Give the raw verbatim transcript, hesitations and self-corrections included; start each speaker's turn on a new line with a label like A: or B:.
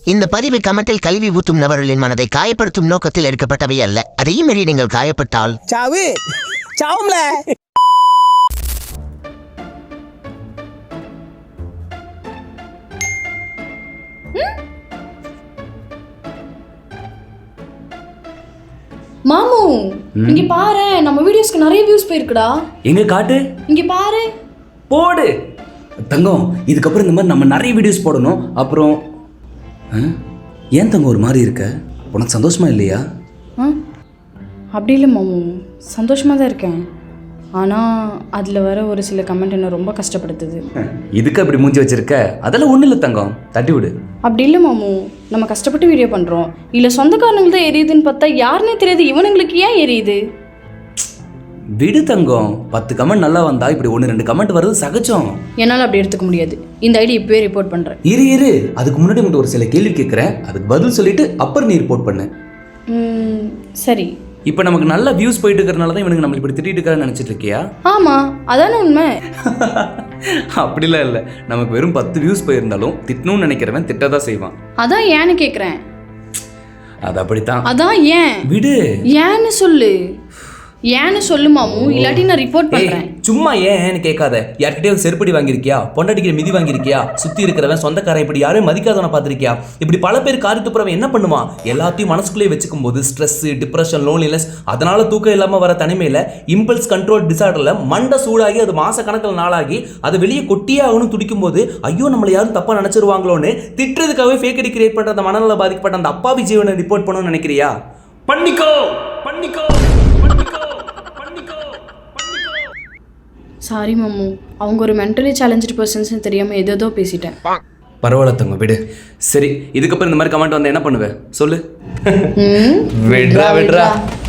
A: இந்த பதிவு கமெண்டில் கல்வி ஊற்றும் நபர்களின் மனதை காயப்படுத்தும் நோக்கத்தில் எடுக்கப்பட்டவை அல்ல. அதையும் மீறி நீங்கள் காயப்பட்டால்
B: சாவு சாவும்ல.
C: மாமு இங்க பாரு, நம்ம வீடியோஸ்க்கு நிறைய வியூஸ் போயிருக்குடா.
D: எங்க காட்டு,
C: இங்க பாரு.
D: போடு தங்கம். இதுக்கப்புறம் இந்த மாதிரி நம்ம நிறைய வீடியோஸ் போடணும். அப்புறம் ஏன் தங்கம் ஒரு மாதிரி இருக்க? உனக்கு சந்தோஷமா இல்லையா?
C: அப்படி இல்லை மாமு, சந்தோஷமாக தான் இருக்கேன். ஆனால் அதில் வர ஒரு சில கமெண்ட் என்ன ரொம்ப கஷ்டப்படுத்துது.
D: இதுக்கு அப்படி மூஞ்சி வச்சிருக்க? அதெல்லாம் ஒன்றும் இல்லை தங்கம், தட்டி விடு.
C: அப்படி இல்லை மாமு, நம்ம கஷ்டப்பட்டு வீடியோ பண்ணுறோம். இல்லை சொந்தக்காரங்களுக்கு தான் எரியுதுன்னு பார்த்தா யாருன்னே தெரியாது, இவனுங்களுக்கு ஏன் எரியுது?
D: விடு தங்கம், பத்து கமெண்ட் நல்லா வந்தா இப்படி ஒன்று ரெண்டு கமெண்ட் வருது சகஜம்.
C: என்னால் அப்படி எடுத்துக்க முடியாது. இந்த ஐடி இப்போவே ரிப்போர்ட் பண்ணுறேன்.
D: இரு இரு அதுக்கு முன்னாடி உங்கள்கிட்ட ஒரு சில கேள்வி கேட்குறேன், அதுக்கு பதில் சொல்லிட்டு அப்புறம் நீ ரிப்போர்ட் பண்ணு.
C: சரி.
D: இப்போ நமக்கு நல்ல வியூஸ் போயிட்டு இருக்கிறனால தான் இவனுக்கு நம்மளை இப்படி திட்டிட்டு இருக்கான்னு நினச்சிட்டு இருக்கியா?
C: ஆமாம், அதானே உண்மை.
D: அப்படிலாம் இல்லை, நமக்கு வெறும் பத்து வியூஸ் போயிருந்தாலும் திட்டணும்னு நினைக்கிறவன் திட்டதான் செய்வான்.
C: அதான் ஏன்னு கேட்குறேன்.
D: அது அப்படித்தான்.
C: அதான் ஏன்
D: விடு.
C: ஏன்னு சொல்லு. ஏன்னு சொல்லு மாமு, இல்லாட்டி நான் ரிப்போர்ட் பண்றேன்.
D: சும்மா ஏன்னு கேட்காத. யார்கிட்டயாவது செருப்படி வாங்கியிருக்கியா? பொண்டாட்டிக்கிற மிதி வாங்கியிருக்கியா? சுத்தி இருக்கிறவன் சொந்தக்காரன் இப்படி யாரையும் மதிக்காதவனை பார்த்திருக்கியா? இப்படி பல பேர் காரி துப்புறவன் என்ன பண்ணுவான்? எல்லாத்தையும் மனசுக்குள்ளே வச்சுக்கும் போது ஸ்ட்ரெஸ், டிப்ரெஷன், லோன்லினஸ், அதனால தூக்கம் இல்லாம வர தனிமையில இம்பல்ஸ் கண்ட்ரோல் டிசார்டர்ல மண்டை சூடாகி அது மாச கணக்கில் நாளாகி அதை வெளியே கொட்டியே ஆகணும் துடிக்கும் போது ஐயோ நம்மளை யாரும் தப்பா நினைச்சிருவாங்களோன்னு திட்டுறதுக்காகவே ஃபேக் ஐடி கிரியேட் பண்ற அந்த மனநல பாதிக்கப்பட்ட அந்த அப்பாவி ஜீவனை ரிப்போர்ட் பண்ணணும்னு நினைக்கிறியா? பண்ணிக்கோ பண்ணிக்கோ.
C: சாரி மாமு, அவங்க ஒரு மென்டலி சேலஞ்சு பர்சன்ஸ்னு தெரியாமல் ஏதோ பேசிட்டேன்.
D: பரவாயில்ல தங்க, விடு. சரி, இதுக்கப்புறம் இந்த மாதிரி கமெண்ட் வந்து என்ன பண்ணுவேன் சொல்லு? விட்ரா விட்ரா.